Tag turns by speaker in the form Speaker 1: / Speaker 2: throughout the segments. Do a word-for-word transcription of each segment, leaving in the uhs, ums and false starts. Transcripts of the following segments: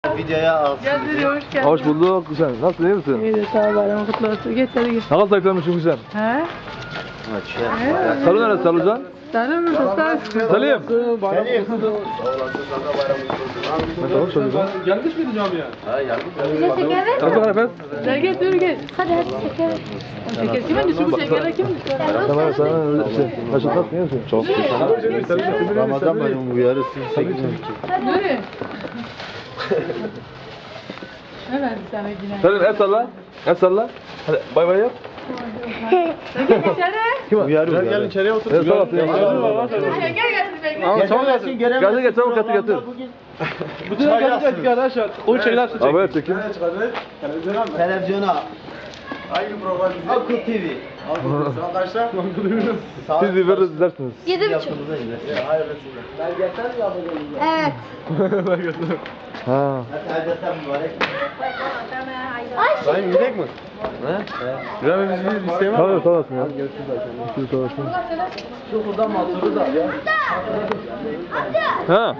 Speaker 1: Videoya alsın.
Speaker 2: Geldin, hoş geldin.
Speaker 3: Hoş bulduk Hüseyin. Nasılsın, iyi misin?
Speaker 2: İyi de sağ ol, bayram kutlu olsun. Geç hadi git.
Speaker 3: Ne kadar zayıflamışsın Hüseyin?
Speaker 2: He?
Speaker 3: Salı neresi Salıcan?
Speaker 2: Selam mı? Sağ
Speaker 3: Salim.
Speaker 1: Selim.
Speaker 3: Nasıl Salıcan?
Speaker 4: Gelmiş miydi camiye?
Speaker 5: Bize şeker ver.
Speaker 3: Nasıl Efes?
Speaker 2: Gel git, yürü git.
Speaker 5: Hadi hadi şeker ver.
Speaker 2: Şeker kimin düşü bu şeker kim?
Speaker 3: Tamam sana öyle şey. Nasıl nasıl iyi misin? Çok
Speaker 1: Ramazan bayramı bu yarısı sekiz on iki.
Speaker 2: Yürü. Ne verdi sana yine?
Speaker 3: Salim el salla. El salla. Hadi bay bay yap.
Speaker 2: Gel içeri.
Speaker 3: Kim?
Speaker 1: Bu yarı bu
Speaker 4: Gel gel
Speaker 1: yarı.
Speaker 4: içeriye otur.
Speaker 3: El salla.
Speaker 2: Şeker getir bekle.
Speaker 4: Ama çabuk
Speaker 1: Getirmesin,
Speaker 4: gelsin.
Speaker 1: göremezsin.
Speaker 3: Geldi getir getir getir.
Speaker 4: Bütün herkes geldik arkadaşlar. O şeyler su
Speaker 3: Abi
Speaker 4: çekin.
Speaker 3: evet çekin.
Speaker 1: Televizyona.
Speaker 4: Hangi program bize?
Speaker 1: Akıl T V.
Speaker 4: Saat kaçta?
Speaker 3: Siz bir veririz izlersiniz.
Speaker 5: Yedi buçuk.
Speaker 1: Yapımıza gider.
Speaker 4: Hayır.
Speaker 5: Evet.
Speaker 3: Ha.
Speaker 1: Hadi mübarek.
Speaker 5: Ay
Speaker 4: Sayın gidecek mi?
Speaker 3: Ne?
Speaker 4: İbrahim biz bir isteğim var
Speaker 3: Tamam
Speaker 4: mı?
Speaker 3: sağ olasın ya. Görüşürüz sağ olasın.
Speaker 1: Şu burada motoru da.
Speaker 3: Ha.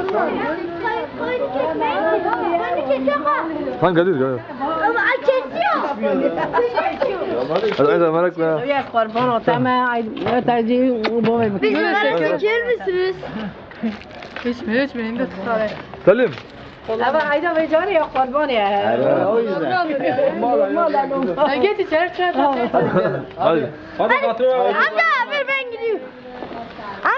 Speaker 3: Lan Kadir gel.
Speaker 5: Ama ay kesiyor.
Speaker 3: Hadi hadi merakla.
Speaker 2: Ya kurban ol tamam. Ay tercih bu ve
Speaker 5: Bizi merak geçirir misiniz?
Speaker 2: içme içme indi tutar.
Speaker 3: Salim.
Speaker 2: Ama ayda ve canı ya kurban ya.
Speaker 1: O yüzden.
Speaker 2: Sen geç içeri çay.
Speaker 3: Hadi.
Speaker 4: Hadi patron.
Speaker 5: Amca